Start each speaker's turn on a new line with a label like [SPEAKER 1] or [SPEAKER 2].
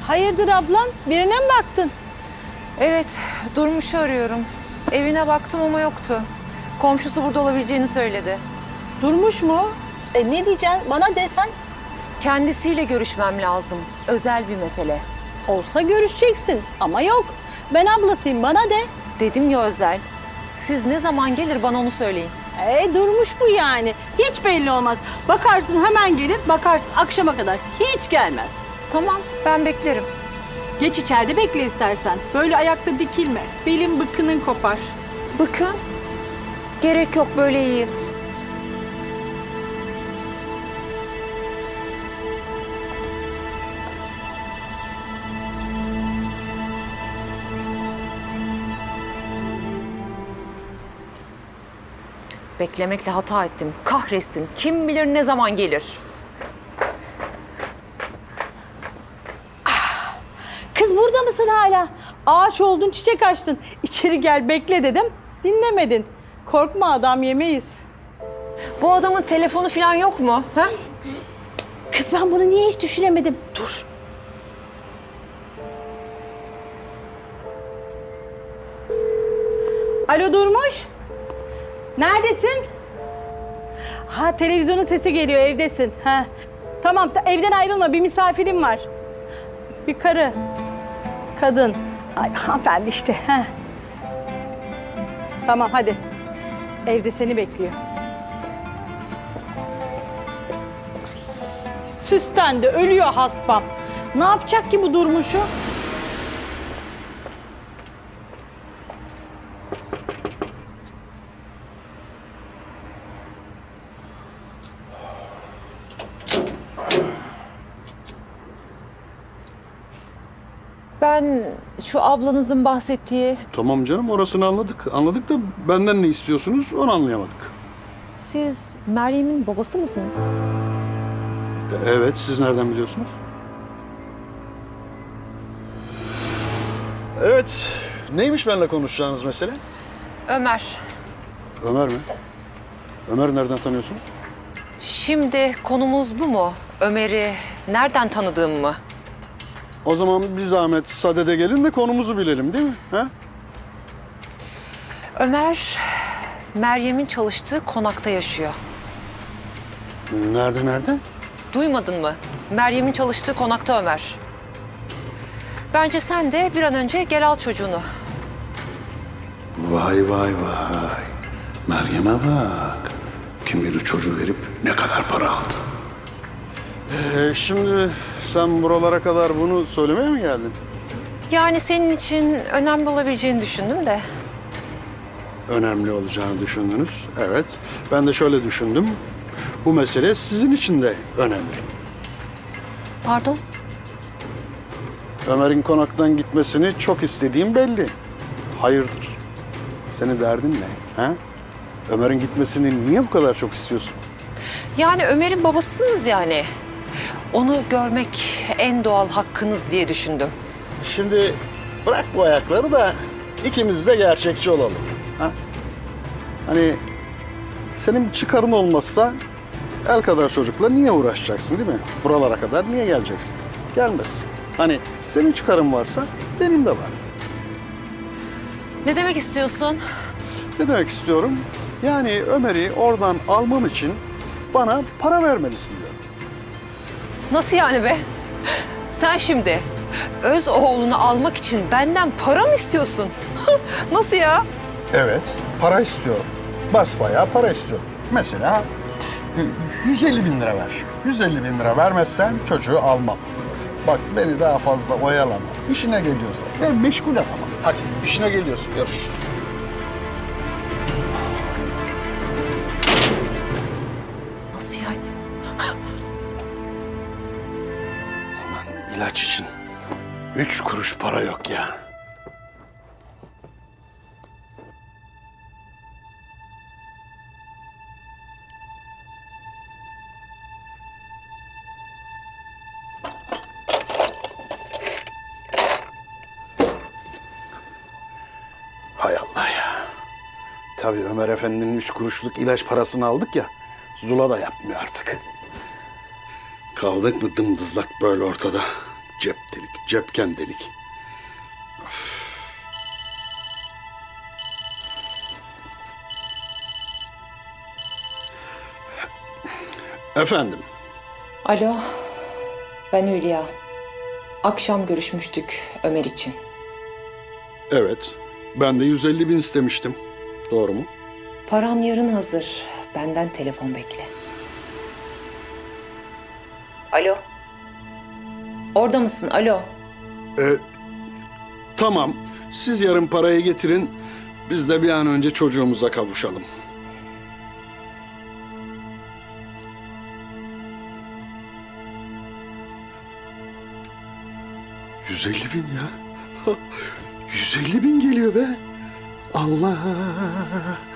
[SPEAKER 1] Hayırdır ablam? Birine mi baktın?
[SPEAKER 2] Evet, Durmuş'u arıyorum. Evine baktım ama yoktu. Komşusu burada olabileceğini söyledi.
[SPEAKER 1] Durmuş mu? Ne diyeceksin? Bana desen.
[SPEAKER 2] Kendisiyle görüşmem lazım. Özel bir mesele.
[SPEAKER 1] Olsa görüşeceksin ama yok. Ben ablasıyım, bana de.
[SPEAKER 2] Dedim ya özel. Siz ne zaman gelir bana onu söyleyin.
[SPEAKER 1] Durmuş bu yani. Hiç belli olmaz. Bakarsın hemen gelir, bakarsın akşama kadar. Hiç gelmez.
[SPEAKER 2] Tamam, ben beklerim.
[SPEAKER 1] Geç içeride bekle istersen. Böyle ayakta dikilme. Belin bıkının kopar.
[SPEAKER 2] Bakın, gerek yok, böyle iyi. Beklemekle hata ettim. Kahretsin. Kim bilir ne zaman gelir.
[SPEAKER 1] Kız burada mısın hala? Ağaç oldun, çiçek açtın. İçeri gel bekle dedim. Dinlemedin. Korkma adam yemeyiz.
[SPEAKER 2] Bu adamın telefonu falan yok mu? Ha?
[SPEAKER 1] Kız ben bunu niye hiç düşünemedim? Dur. Alo Durmuş. Neredesin? Ha televizyonun sesi geliyor, evdesin. Ha. Tamam evden ayrılma, bir misafirim var. Bir karı. Kadın. Ay hanımefendi işte. Ha. Tamam hadi. Evde seni bekliyor. Süstendi, ölüyor haspam. Ne yapacak ki bu Durmuş'u?
[SPEAKER 2] Ben şu ablanızın bahsettiği...
[SPEAKER 3] Tamam canım, orasını anladık. Anladık da benden ne istiyorsunuz onu anlayamadık.
[SPEAKER 2] Siz Meryem'in babası mısınız?
[SPEAKER 3] Evet, siz nereden biliyorsunuz? Evet, neymiş benimle konuşacağınız mesele?
[SPEAKER 2] Ömer.
[SPEAKER 3] Ömer mi? Ömer nereden tanıyorsunuz?
[SPEAKER 2] Şimdi konumuz bu mu? Ömer'i nereden tanıdığım mı?
[SPEAKER 3] O zaman bir zahmet sadede gelin de konumuzu bilelim değil mi? Ha?
[SPEAKER 2] Ömer, Meryem'in çalıştığı konakta yaşıyor.
[SPEAKER 3] Nerede?
[SPEAKER 2] Duymadın mı? Meryem'in çalıştığı konakta Ömer. Bence sen de bir an önce gel al çocuğunu.
[SPEAKER 3] Vay. Meryem'e bak. Kim bilir çocuğu verip ne kadar para aldı. Şimdi sen buralara kadar bunu söylemeye mi geldin?
[SPEAKER 2] Yani senin için önemli olabileceğini düşündüm de.
[SPEAKER 3] Önemli olacağını düşündünüz. Evet. Ben de şöyle düşündüm. Bu mesele sizin için de önemli.
[SPEAKER 2] Pardon?
[SPEAKER 3] Ömer'in konaktan gitmesini çok istediğim belli. Hayırdır? Senin derdin ne? Ha? Ömer'in gitmesini niye bu kadar çok istiyorsun?
[SPEAKER 2] Yani Ömer'in babasısınız yani. Onu görmek en doğal hakkınız diye düşündüm.
[SPEAKER 3] Şimdi bırak bu ayakları da ikimiz de gerçekçi olalım. Ha? Hani senin bir çıkarın olmazsa el kadar çocukla niye uğraşacaksın değil mi? Buralara kadar niye geleceksin? Gelmezsin. Hani senin çıkarın varsa benim de var.
[SPEAKER 2] Ne demek istiyorsun?
[SPEAKER 3] Ne demek istiyorum? Yani Ömer'i oradan almam için bana para vermelisin diyorum.
[SPEAKER 2] Nasıl yani be? Sen şimdi öz oğlunu almak için benden para mı istiyorsun? Nasıl ya?
[SPEAKER 3] Evet, para istiyorum. Basbayağı para istiyorum. Mesela 150 bin lira ver. 150 bin lira vermezsen çocuğu almam. Bak beni daha fazla oyalama. İşine geliyorsa ben meşgul adamım. Hadi işine geliyorsun. Görüşürüz.
[SPEAKER 2] Nasıl yani?
[SPEAKER 3] Ulan ilaç için 3 kuruş para yok ya. Hay Allah ya. Tabii Ömer Efendi'nin 3 kuruşluk ilaç parasını aldık ya, Zula da yapmıyor artık. Kaldık mı dımdızlak böyle ortada. cep delik, cepken delik. Efendim,
[SPEAKER 4] Alo, ben Hülya. Akşam görüşmüştük Ömer için.
[SPEAKER 3] evet. Ben de 150 bin istemiştim. Doğru mu?
[SPEAKER 4] Paran yarın hazır. Benden telefon bekle. Alo. Orada mısın? Alo.
[SPEAKER 3] Tamam. Siz yarın parayı getirin. Biz de bir an önce çocuğumuza kavuşalım. ...150 bin ya. 150 bin geliyor be. Allah.